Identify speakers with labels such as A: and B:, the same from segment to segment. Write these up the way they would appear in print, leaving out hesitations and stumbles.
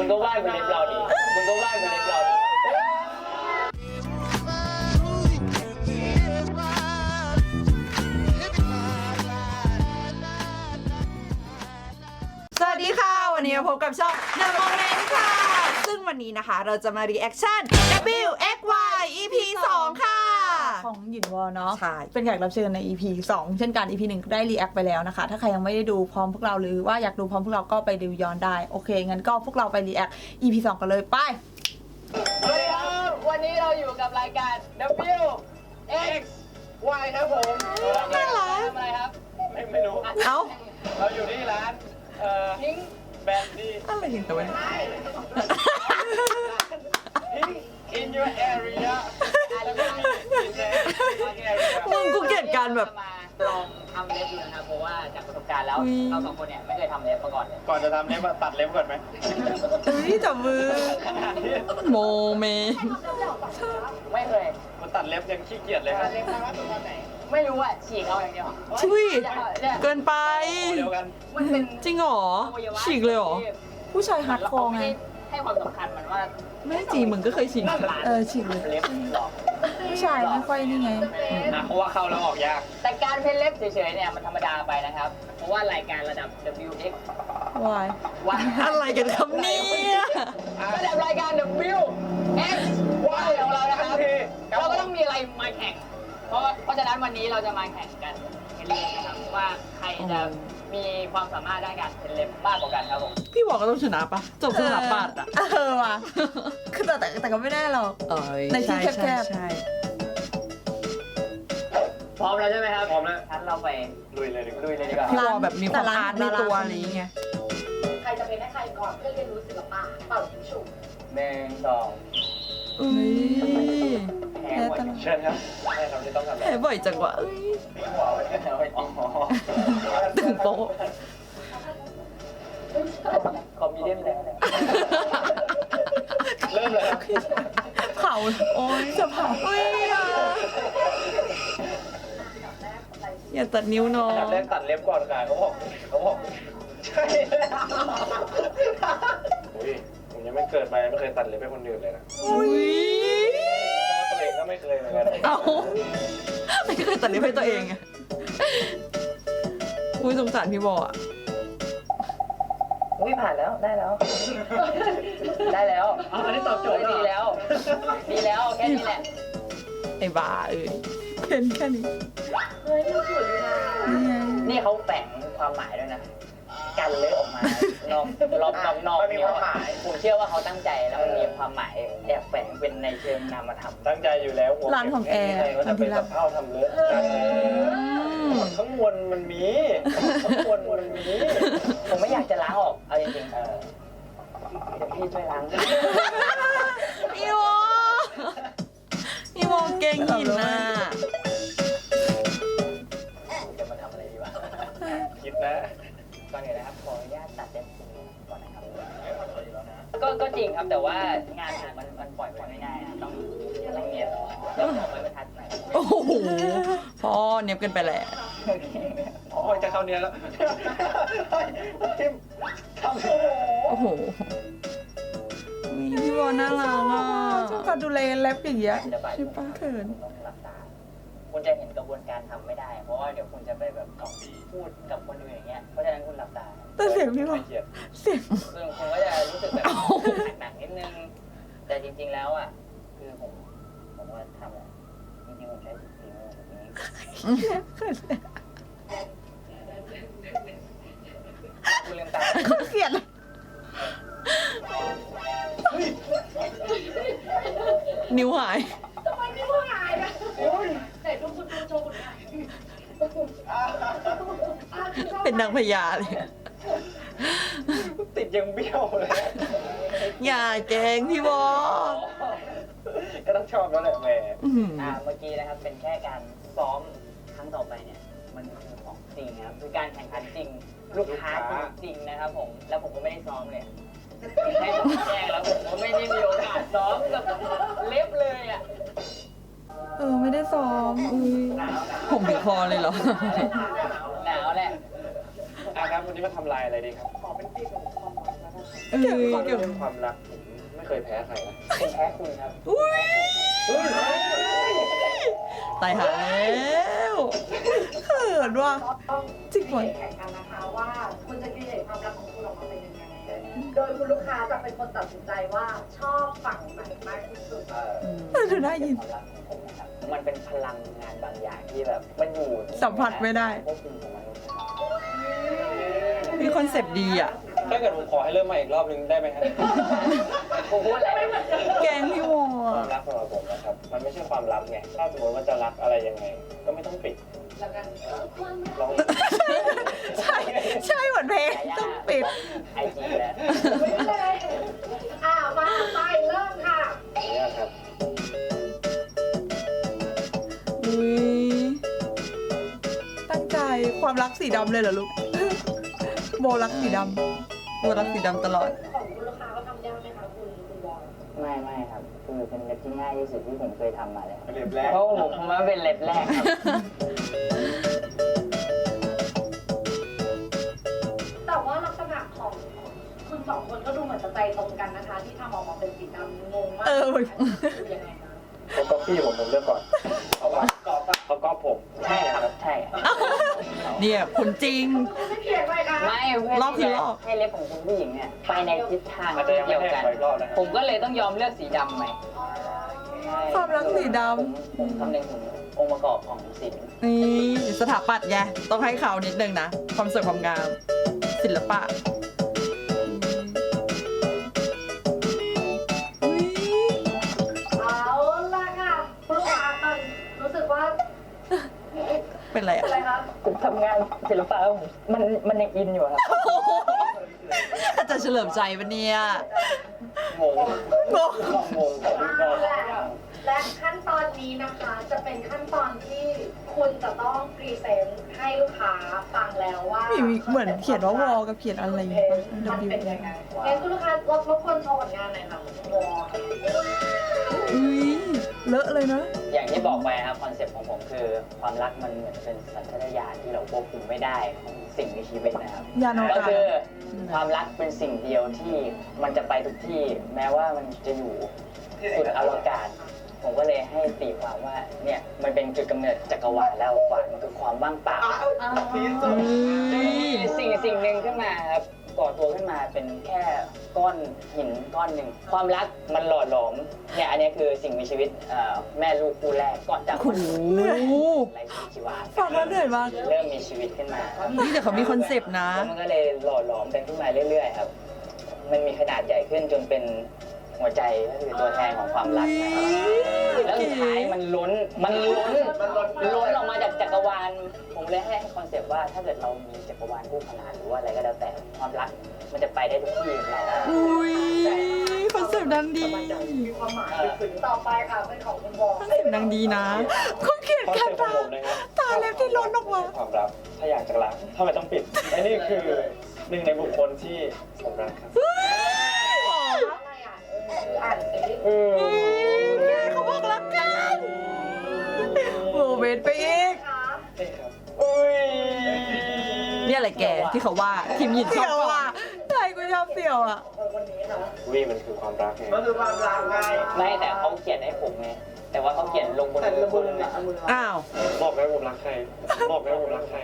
A: ก็วาดเป็นเล็บเราดิมึงก็วาดเป็นเล็บเราดิ
B: สวัสดีค่ะวันนี้มาพบกับช่อง The Moment ค่ะซึ่งวันนี้นะคะเราจะมารีแอคชั่น WXY EP 2 ค่ะ
C: ของหยินวอเนาะ
B: ใช่
C: เป็นแขกรับเชิญใน EP 2 เช่นกัน EP 1ได้รีแอคไปแล้วนะคะถ้าใครยังไม่ได้ดูพร้อมพวกเราหรือว่าอยากดูพร้อมพวกเราก็ไปดูย้อนได้โอเคงั้นก็พวกเราไปรีแอค EP 2 กันเลยไป
A: สวัสดีครับวันนี้เราอยู่กับรายการ WXY ครับผมน่ารักทำอะไรครับไม่รู้
B: เอ้า
A: เราอยู่ที่ร้านทิ้งแบนดี้
B: อะไรกันแต่วันนี้
A: ทิ้ง in your area แล้วก็มี in the area
B: มึงกูเกลียดการแบบ
A: มาลองทำเล็บดูนะครับเพราะว่าจากประสบการณ์แล้วเราสองคนเนี่ยไม่เคยทำเล็บมาก่อนเลยก่อนจะทำเล็บตัดเล็บก่อนไหม
B: เฮ้ยจับมือโมเม
A: ไม่เคยมันตัดเล็บยังขี้เกียจเลยครับไม่รู้อ่ะฉีกเอาอย่างเดียว
B: ชุยเกินไป
A: เดียวกัน
B: มันเป็นจริงเหรอฉีกเลยเหรอ
C: ผู้ชายฮาร์ดคอร์ไง
A: ให้ความสำคัญมันว่า
B: ไม่จริงมึงก็เคยฉีก
C: ฉีกเลย
A: เล็บหรอ
C: ผู้ชายไม่ค่อยนี่ไง
A: เพราะว่าเข้าแล้วออกยากแต่การเพ้นเล็บเฉยๆเนี่ยมันธรรมดาไปนะครับเพราะว่ารายการระดับ WX
C: วาย
A: ว่า
B: อะไรกันครับเนี่ย
A: ระดับรายการ WX Y ของเรานะครับเราก็ต้องมีอะไรมาแข่งเพราะฉะนั้นวันนี้เราจะมาแข่งกันเพ้นเล็บนะครับว่าใครจะมีความสามารถด้านการเพ้นเล็บมากกว่ากันครับผม
B: พี่บอกก็ต้องชนะปะจบสถาปัตย์อ่ะ
C: ว่ะคือแต่ก็ไม่ได้หรอก ในที่แคบๆ
B: ใช่
A: พร้อมแล้วใช่ไหมครับพร้อมแล้วงั้นเราไปลุยเลยดีกว่า
B: พี่วอแบบมีความอาร์ตในตัวอะไรอย่างเงี้ย
D: ใครจะเป็นให้ใครก่อนเพื่อเรียนรู้ศิลปะเป่ายิงฉุบ
A: 1 2
B: อุ้ย
A: แพ้หมดเชิญครับให้เราจะต้องทำอะไร
B: แพ้บ่อยจังวะเอ้ย ตึงโป๊ะ
A: คอมมิเดียนแล้วเริ่มเลยครับ
C: เผาโอ้ยจะเผา
B: อุ้ยอย่าตัดนิ้วน้อง
A: อันดับแรกตัดเล็บก่อนค่ะเขาบอกใช่แล้วอุ้ยผมยังไม่เกิดมาไม่เคยตัดเล็บให้คนอื่นเลยนะ
B: อุ้ย
A: ตัวเองก็ไม่เคยเหมือนกัน
B: เอาไม่เคยตัดนิ้วให้ตัวเองอะอุ้ยสงสารพี่บออะ
A: อุ้ยผ่านแล้วได้แล้วอันนี้ตอบโจทย์ดีแล้วแค่นี้แหละ
B: ไอ้บ้าเอ้ย
C: เห็นแค่นี้
D: เฮ้ยมันสวยอยู่นะ
C: นี่ไง
A: นี่เขาแฝงความหมายด้วยนะกันเลยออกมานอกมีความหมายผมเชื่อว่าเขาตั้งใจแล้วมันมีความหมายแอบแฝงเป็นในเชิงนามธรรมตั้งใจอยู่แล้ว
C: ร้านของแอร์
A: ก็จะเป็นกับข้าวทำเลอะข้างบนมันมีผมไม่อยากจะล้างออกเอาจริงๆเดี๋ยวพี่ช่วยล้าง
B: พี่วอพี่วอเก่งหินน่ะ
A: จะมาทำอะไรดีวะคิดนะก่อนอื่นนะครับขออนุญาตตัดเล็บคุณก่อนนะครับก็จริงครับแต่ว่างานผมมันปล่อยไปไม่ได้นะต้องเนียนแล้วขอไปบรรทัดหน่อย
B: โอ้โหพ่อเนียบกันไปแหละ
A: โอเคอ๋อจะเข้าเนียนแล้วทิมทำ
B: โอ้โหอุ๊ยพี่วอน่ารักอ่ะ
C: ชอบการดูแลเล็บอย่างเงี้ย
A: ระบาย
C: ใช่ปะเขิน
A: ต้องหลับตาคุณจะเห็นกระบวนการทำไม่ได้ เพราะว่าเดี๋ยวคุณจะไปแบบพูดกับคนอื่นอย่างเงี้ยเพราะฉะนั้นคุณหลับตา
C: แต่เสียงพี่วอเสียง
A: ซึ่งคุณก็จะรู้สึกแบบหนักๆนิดนึงแต่จริงๆแล้วอ่ะคือผมว่าทำอะจริงๆผมใช้ฝีมือแบบนี้
C: เขิน
A: คุณลืมตา
C: เสียดเลย
B: นิ้วหาย
D: ทำไมพี่ว่าหายนะไหนดูคุณโชว์คุณหน่อย
B: เป็นนางพญาเลย
A: ติดยังเบี้ยวเลย
B: อย่าแกล้งพี่วอ
A: ก็ต้องชอบแล้วแหละแหม
B: อื้อหือ
A: เมื่อกี้นะครับเป็นแค่การซ้อมครั้งต่อไปเนี่ยมันคือของจริงนะครับคือการแข่งขันจริงลูกค้าจริงนะครับผมแล้วผมก็ไม่ได้ซ้อมเลยให้ผมแจ้งแล้วผมก็ไม่ได้มีโอกาสซ้อมกับเล็บเลยอ่ะ
C: ไม่ได้ซ้อม
A: หนาว
B: ผมถึงคอเลยเหรอ
A: หนาวแหละครับวันนี้มาทำลายอะไรดีครับขอเป็นปีกของคอมแล้วกัน
C: เกี่ยวกับ
E: เรื่องความรักผมไม่เคยแพ้ใครนะ
A: เป็นแพ้คุณครับ
C: ตายหาแล้วเขินว่ะ
D: ต้อง
C: จริงเหรอ
D: แข่งกันนะคะว่าคุณจะคิดเห็นความรักของคุณออกมาเป็นยังไง โดยคุณลูกค้าจะเป็นคนตัดสินใจว่าชอบฝั่งไหนมากที่สุด
C: เธอได้ยิน
A: ความรักของผมนะครับมันเป็นพลังงานบางอย่างที่แบบมันอยู่
C: สัมผัสไม่ได้
A: ควบคุมของมนุษย์นะครับ
C: มีคอนเซปต์ดีอ่ะ
E: ถ้าเกิดผมขอให้เริ่มใหม่อีกรอบนึงได้ไหมครับ
A: ผมพูดอะไรไม่เหมือนกัน
C: แกงพี่วอ
E: ความรักสำหรับผมนะครับ มันไม่ใช่ความลับไง ถ้าสมมติว่าจะรักอะไรยังไง ก็ไม่ต้องปิด
D: แล้วกัน
E: ลอง
C: ใช่ใช่เหมือนเพลงต้องปิด
A: ไอจีแล้ว
D: ไม่เลยมาไปเริ่มค่ะ
E: เนี่ยครับ
C: อุ้ยตั้งใจความรักสีดำเลยเหรอลูก โบรักสีดำโบรักสีดำตลอด
D: ของคุณลูกค้าเขาทำยากไหมคะคุณบอล
A: ไม่ครับคือเป็นเล็บที่ง่ายที่สุดที่ผมเคยทำมาเลย
E: เรียบแรก
A: เพราะผมว่าเป็นเล็บแรกครับ
D: แต่ว่าลักษณะของคุณสองคนก็ดูเหมือนจะใจตรงกันนะคะ ที่ทำออกมาเป็นสีดำงงมาก
C: เออ
D: คือยังไงคะ
E: เขาก๊อปปี้ผมเลือกก่อนเขาก๊อปผม
A: ใช่ครับใช่
C: เนี่ยคุณจริง
D: ไม่เพียงเลยค่ะ
A: ไม่เพื่อ
C: รอบ
A: ที่
C: คือ
A: จะ
C: รอบ
A: ให้เล็บของคุณผู้หญิงเนี่ยไปในทิศทาง
E: อาจจะยังไม่
A: เดียว
E: ให้
A: กัน
E: ขออีกรอบนะครับ
A: ผมก็เลยต้องยอมเลือกสีดำไหมใช่
C: ความรักสีด
A: ผมคำนึงถึงองค์ประกอบของศิลป์
C: ำนี่สถาปัตย์ไงต้องให้เขานิดนึงนะ ความสวยความงาม ศิลปะอุ๊ย
D: เอาละค่ะคุณลูกค้าตอนรู้สึกว่า
C: เป็นไร
D: เป็น
C: อ่ะ
D: อะไรคะ
A: ผมทำงานศิลปะผมมันยังอินอยู่ครับ
C: อาจจะเฉลิมใจปะเนี่ย
E: งง
C: งง
E: งงของพี่น้อง
D: และขั้นตอนนี้นะคะจะเป็นขั้นตอนที่คุณจะต้องพรีเซนต์ให้ลูกค้าฟังแล้วว่า
C: มีเหมือนเขียนว่าวอกับเขียนอะไรอย่างเงี้ย
D: มันเป็นยังไงงั้นคุณลูกค้ารบกวนโชว์ผลงานหน่อยค่ะคุณวอ
C: อุ้ยเลอะเลยนะ
A: อย่างที่บอกไปครับคอนเซ็ปต์ของผมคือความรักมันเหมือนเป็นสัญชาตญาณที่เราควบคุมไม่ได้ของสิ่งมีชีวิตนะครับ
C: ยานอว
A: ก็
C: กาศ
A: คือความรักเป็นสิ่งเดียวที่มันจะไปทุกที่ แม้ว่ามันจะอยู่สุดอวกาศ ผมก็เลยให้ตีความว่าเนี่ยมันเป็นจุดกำเนิดจักรวาลแล้วกว่ามันคือความว่างเปล่า สิ่งหนึ่งขึ้นมาครับก่อตัวขึ้นมาเป็นแค่ก้อนหินก้อนหนึ่งความรักมันหล่อหลอมเนี่ยอันนี้คือสิ่งมีชีวิตแม่ลูกคู่แรกก่อนจาก
C: โอ้โห
A: ไรชีวา
C: ฟังแล้วเหนื่อยมาก
A: เริ่มมีชีวิตขึ้นมาครับ
C: นี่แต่เขามีคอนเซปต์นะ
A: แล้วมันก็เลยหล่อหลอมกันขึ้นมาเรื่อยๆครับ มันมีขนาดใหญ่ขึ้นจนเป็นหัวใจก็คือตัวแทนของความรักนะครับ แล้วสุดท้ายมันล้นออกมาจากจักรวาล ผมเลยให้คอนเซปต์ว่าถ้าเกิดเรามีจักรวาลคู่ขนานหรือว่าอะไรก็แล้วแต่ความรักมันจะไปได้ทุกที่ของเรา
C: อุ้ยคอนเซปต์ดังดี
D: มีความหมายลึกซึ้งต่อไปค่ะเป็นของคุณวอ
C: คอนเซปต์ดังดีนะคุณเขียน
E: คอน
C: แค่
E: เซ็ปต์ของ
C: ตา
E: ผมนะครับ
C: ตาเล็บที่ล้นออกมา
E: ความรัก ถ้าอยากจะรักทำไมต้องปิดไอ้นี่คือหนึ่งในบุคคลที่ผมรักครับ
D: อะไรอ่านสิ
C: เขาบอกรักกันโมเมนต์ไปอีก
D: คะ
E: นี่ครับ
C: เนี่ยอะไรแกที่เขาว่าทีมหยินชอบว่าใช่กูชอบเสี่ยวอ่ะ
D: คนนี้ค่ะ
E: วิมันคือความรักไง
F: มันคือความรักไง
A: ไม่แต่เขาเขียนให้ผมไงแต่ว่าเขาเขียนลงบนมือคุณนะ
C: อ้าว
E: บอกได้ผมรักใคร บอกได้ผมรักใคร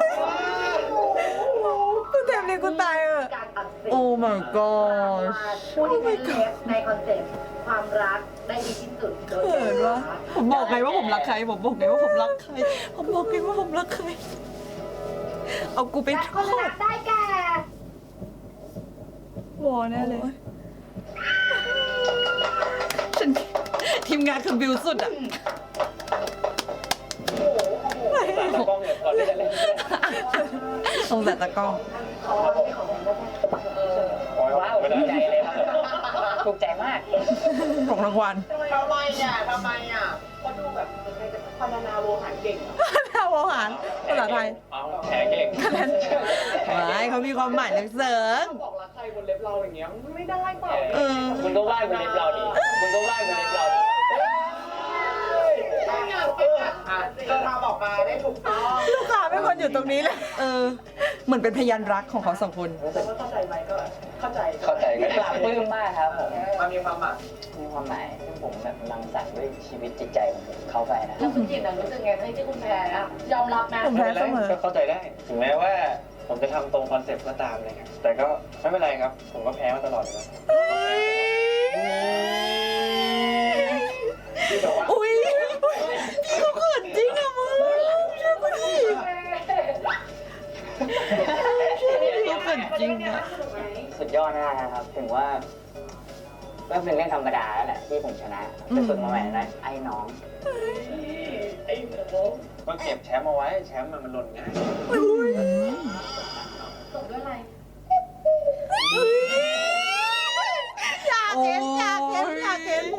C: กูเต็มเลยกูตายอ่ะ
D: การตัดสิน
C: โอ้ my god
D: ผู้ที่เป็นเลฟในคอนเซ็ปต์ความรักได้ดีที่สุดโดย
C: เขินวะผมบอกไงว่าผมรักใคร ผมบอกไงว่าผมรักใคร ผมบอกไงว่าผมรักใคร เอากูไป
D: และ
C: ท
D: คน
C: อ
D: รั
C: ด
D: กได้แก่
C: วอแน่เลย ฉันทีมงานคือบิวสุดอ่ะ
E: ตากล้องเนี่ยก่อนที่จะเล่น
C: สงสารตะกล้อง
D: เขาไม่ของผมได้แค่
A: ว้าวถูกใจเลยครับถูกใจมาก
C: ของรางวัล
F: ทำไมก็ดูแบบพรรณนาโวหารเก่งอะ
C: ทาวอาหารภาษาไทย
E: เอาแผลเก่ง
C: ไม่เขามีความหมายลึกซึ้ง
F: ถ้าบอกรักใครบนเล็บเราอย่างเงี้ยมันไม่ได้เปล่า
C: เออ
A: คุณก็ว่าเป็นเล็บเราดีคุณก็ว่าเป็นเล็บเราดี
F: อ่ะเธอมาบอกมาได้ถูกต้อง
C: ลูกค้าเป็นคนอยู่ตรงนี้เลย เออ
B: เหมือนเป็นพยานรักของเขาสองคน
F: แต่ว่าเข้าใจไหมก็เข้าใจ
E: เข้าใจกัน
A: ปลาบปลื้มมากครับผม
F: มันมีความหมาย
A: มีความหมายซึ่งผมแบบรังสรรค์ด้วยชีวิตจิตใจของผมเข้าไปนะ
D: แล้วคุณจิตรู้สึกไงที่คุณแพ้อะยอมรับไหม
C: ผม
E: ไม่
C: แพ้
E: เป็นไร
C: เสมอ
E: ก็เข้าใจได้ ถึงแม้ว่าผมจะทำตรงคอนเซ็ปต์ก็ตามเลยครับแต่ก็ไม่เป็นไรครับ ผมก็แพ้มาตลอดเลยนะที่แบบว่า
B: อุ้ยพี่เขาเขินจริงอะมึงเชื่อกูดิพี่เขาเขินจริงอะ
A: สุดยอดมากนะครับ ถึงว่าก็เป็นเรื่องธรรมดาแล้วแหละที่ผมชนะไปฝึกมาใหม่นะไอ้น้อง
E: ก็เก็บแชมป์เอาไว้แชมป์มันหล่นง่าย
D: จบด้วยอะไร
C: อยากเห็นอยากเห็นอยากเห็น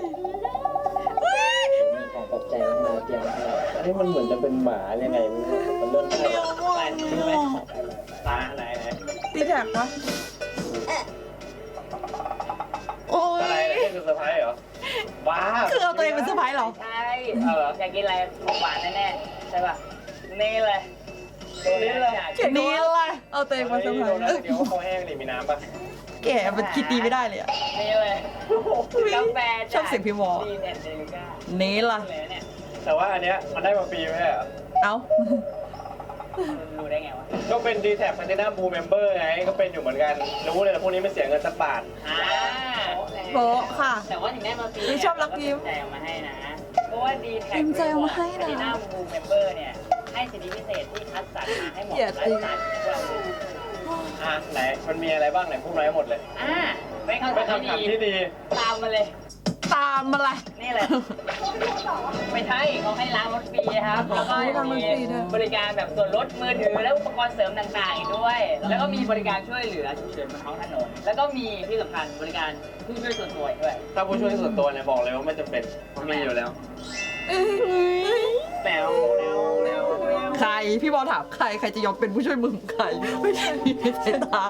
A: มีของตกใจมาให้เราเตรียมมาให้เรา
E: อันนี้มันเหมือนจะเป็นหมายังไงไม่รู้มันเริ่มใช่ตาไหน
C: ตีแท็กปะโอ้
E: อะไร
C: ย
E: นี่คือเซอร์ไพรส์เหรอว้า
B: คือเอาตัวเองเป็นเซอร์ไพรส์เหรอ
A: ใช่อยากกินอะไรของหวานแน่ๆใช่ป่ะนี่เลยตัวนี้เลย
B: เขียนนี่อะไรเอาตัวเองมาเซอร์ไพรส์
E: เดี๋ยวเขาแห้งนี่มีน้ำป่ะ
B: แกมันคิดดีไม่ได้เลยอะ
A: นี่เลยกาแฟ
B: ชอบเสียงพี่วอ
A: ดีเน็ตเดลิก้า
B: นี่ล่ะ
A: เลยเนี่ย
E: แต่ว่าอันเนี้ยมันได้มาฟรีไหมอ่ะ
B: เอ้า
A: รู้ได้ไงวะ
E: ก็เป็น d t แท็ Platinum Blue Member ไงก็เป็นอยู่เหมือนกันรู้เลยพวกนี้ไม่เสียเงินสักบาท
C: โบะค่ะ
A: แต่ว่าถึงได้มาฟรี
C: นี่ชอบรักยิ้ม
A: ใจเอามาให้นะ เพราะว่าดีแท็ก
B: ยิ้มใจเอามาให้นะ
A: ดีน่าบูเมมเบอร์เนี่ย ให้สิทธิพิเศษที่คัดสรรมาให้หมด
C: อย่า
A: คั
C: ตี
A: ดสรรพวกเราดู
E: ไหนมันมีอะไรบ้างไหนพูดมาให้หมดเลย
A: เป็น
E: เป็น
A: คำถาม
E: คำถาม
A: ที่
E: ที่
A: ดี
E: ดี
A: ตามมาเลย
B: ตามอะไร
A: นี่เลย ไม่ใช่เขาให้ล้างรถฟรีครับ แล้วก็
C: ล้างรถ
A: มี
C: ฟรีด้วย
A: บริการแบบส่วนลดมือถือและอุปกรณ์เสริมต่างๆอีกด้วย แล้วก็มีบริการช่วยเหลือฉุกเฉินบนท้องถนน แล้วก็มีที่สำคัญบริการผู้ช่วยส่วนตัวอีกด้วย
E: ถ้าผู้ช่วยส่วนตัวเนี่ยบอกเลยว่าไม่จำเป็นมันมีอยู่แล้วแมวแมวแมวแมว
B: ใคร พี่บอลถามใคร ใครจะยอมเป็นผู้ช่วยมึงใคร ไม่ใช่ในสายตา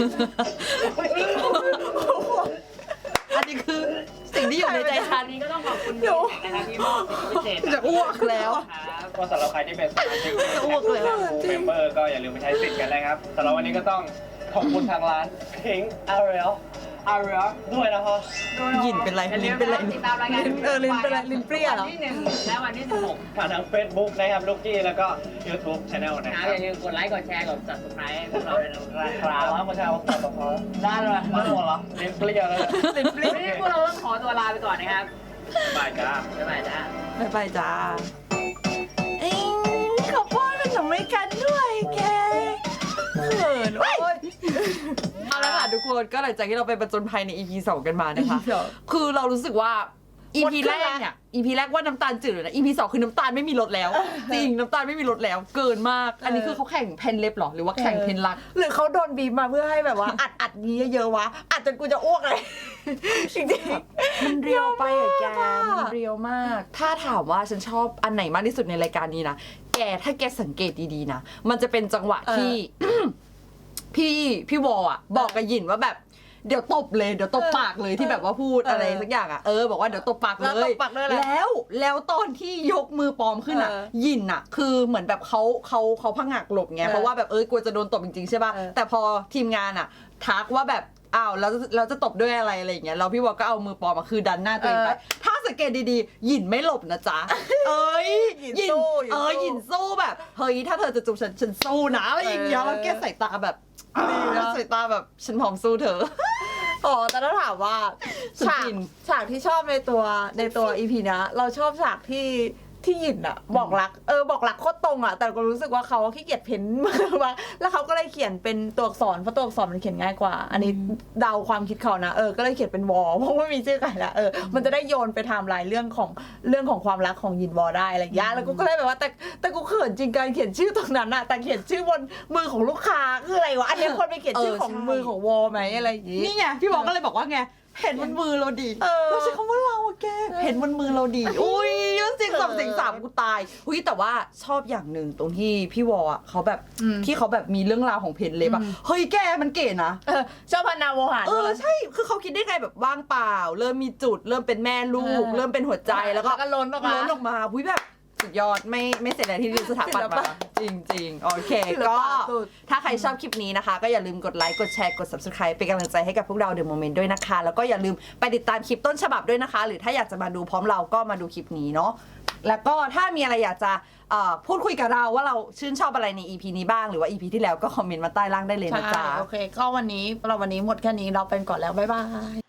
B: อันนี้คือสิ่งที่อยู่ในใจฉั
A: อั
B: น
A: นนี้ก็ต้องขอบคุณพี่นะครับที่มอบสิทธิพิเศษ
B: จะอ้วกแล้ว
A: ครับ
E: ก็สำหรับใครที่เป็นสมาชิก
B: จะอ้วกเลย
E: เมมเบอร์ก็อย่าลืมไปใช้สิทธิ์กันนะครับสำหรับวันนี้ก็ต้องขอบคุณทางร้าน Pink Ariel ด้วยนะครับ
B: หยินเป็นไรลิ้นเป็นไร
A: ติดตามรายการ
C: ลิ้นเป็นไรลิ้นเปรี้ยเหรอ
A: วันที่1และวันที่16
E: ผ่านทาง Facebook นะครับลูกกี้แล้วก็ YouTube Channel นะ
A: นะ
E: ค
A: ค
E: รั
A: รับบ อย่าลืมกดไลค์กดแชร์กด subscribe ให้พวกเราด้วยนะครับ
E: แล้วก็ชาวต่อต่อ
A: ได้เลย
E: มาหมดเหรอเล่นเปรี้ยวแล้ว
B: ลิ้นเปรี้ย
A: วันนี้พวกเราต้องขอตัวลาไปก่อนนะครับ
E: บายจ้า
A: บ๊ายบายจ้า
B: บ๊ายบายจ้าเอ้ยขอป้อนขนมให้กันด้วยแกเขินโอ๊ยเอาละค่ะทุกคนก็หลังจากที่เราไปประจนภัยใน EP 2 กันมานะคะ คือเรารู้สึกว่า EP แรกเนี่ย EP แรกว่าน้ำตาลจืดเลยนะ EP 2 คือน้ำตาลไม่มีรสแล้ว จริงน้ำตาลไม่มีรสแล้ว เกินมาก อันนี้คือเขาแข่งเพนเล็บเหรอ หรือว่าแข่งเพนรัก
C: หรือเขาโดนบีบมาเพื่อให้แบบว่า อัดนี้เยอะๆวะอัดจนกูจะอ้วกเลย จริงๆ
B: มันเรียวไปอะแกมันเรียวมาก ถ้าถามว่าฉันชอบอันไหนมากที่สุดในรายการนี้นะ แกถ้าแกสังเกตดีๆนะ มันจะเป็นจังหวะที่ พี่วอลอะบอกกับหยินว่าแบบเดี๋ยวตบเลยเดี๋ยวตบปากเลยที่แบบว่าพูดอะไรสักอย่างอะบอกว่าเดี๋ยวตบปากเล
C: แล้วต
B: ย
C: บปากด้วยอะไร
B: แล้วตอนที่ยกมือปลอมขึ้นอะหยินอะคือเหมือนแบบเขาพังหักหลบไงเพราะว่าแบบกลัวจะโดนตบจริงๆใช่ป่ะแต่พอทีมงานอะทักว่าแบบอ้าวแล้วจะตบด้วยอะไรอย่างเงี้ยแล้วพี่วอลก็เอามือปลอมมาคือดันหน้าตัวเองไปถ้าสังเกตดีๆหยินไม่หลบนะจ๊ะหยินสู้หยินสู้แบบเฮ้ยถ้าเธอจะจูบฉันสู้นะอะไรอย่างเงี้ยแล้วแกใส่ตาแบบใส่ตาแบบฉันพร้อมสู้เธอ
C: อ๋อแต่ถ้าถามว่า
B: สุด
C: ฉาก
B: ฟิน
C: ฉากที่ชอบในตัวอีพีนะเราชอบฉากที่หยินอะบอกรักบอกรักโคตรตรงอะแต่ก็รู้สึกว่าเขาขี้เกียจเพ้นมากว่าแล้วเขาก็เลยเขียนเป็นตัวอักษรเพราะตัวอักษรมันเขียนง่ายกว่า อันนี้เดาความคิดเขานะก็เลยเขียนเป็นวอเพราะว่ามีชื่อไก่ละมันจะได้โยนไปไทม์ไลน์เรื่องของความรักของหยินวอได้อะไรอย่างเงี้ยแล้วกูก็เลยแบบว่าแต่กูเขินจริงการเขียนชื่อตรงนั้นอะแต่เขียนชื่อบนมือของลูกค้าคืออะไรวะอันนี้คนไปเขียนชื่อของมือของวอไหมอะไรอย่างงี้
B: นี่ไงพี่บอกก็เลยบอกว่าไงเห็นบนมือเราดีเราใช้คำว่าเราอะแกเห็นบนมือเราดีอุ้ยย้อนเสียงสองเสียงสามกูตายอุ้ยแต่ว่าชอบอย่างหนึ่งตรงที่พี่วออะเขาแบบที่เขาแบบมีเรื่องราวของเพนเล็บอะเฮ้ยแกมันเก๋นะ
C: ชอบพนาโวหาร
B: ใช่คือเขาคิดได้ไงแบบว่างเปล่า เริ่มมีจุดเริ่มเป็นแม่ลูก เริ่มเป็นหัวใจแล้วก็
C: ล้นออกมา
B: อุ้ยแบบสุดยอดไม่เสียดายที่เรียนสถาปัตย์มาจริงๆโอเค
C: ศิล
B: ก็
C: ปะสุด
B: ถ้าใครชอบคลิปนี้นะคะ ก็อย่าลืมกดไลค์กดแชร์กด subscribe เป็นกำลังใจให้กับพวกเรา The Moment ด้วยนะคะ แล้วก็อย่าลืมไปติดตามคลิปต้นฉบับด้วยนะคะ หรือถ้าอยากจะมาดูพร้อมเราก็มาดูคลิปนี้เนาะแล้วก็ถ้ามีอะไรอยากจะพูดคุยกับเราว่าเราชื่นชอบอะไรใน EP นี้บ้างหรือว่า EP ที่แล้วก็คอมเมนต์มาใต้ล่างได้เลยนะ
C: ใช่
B: จ๊ะ
C: โอเค ก็วันนี้หมดแค่นี้เราเป็นก่อนแล้วบ๊ายบาย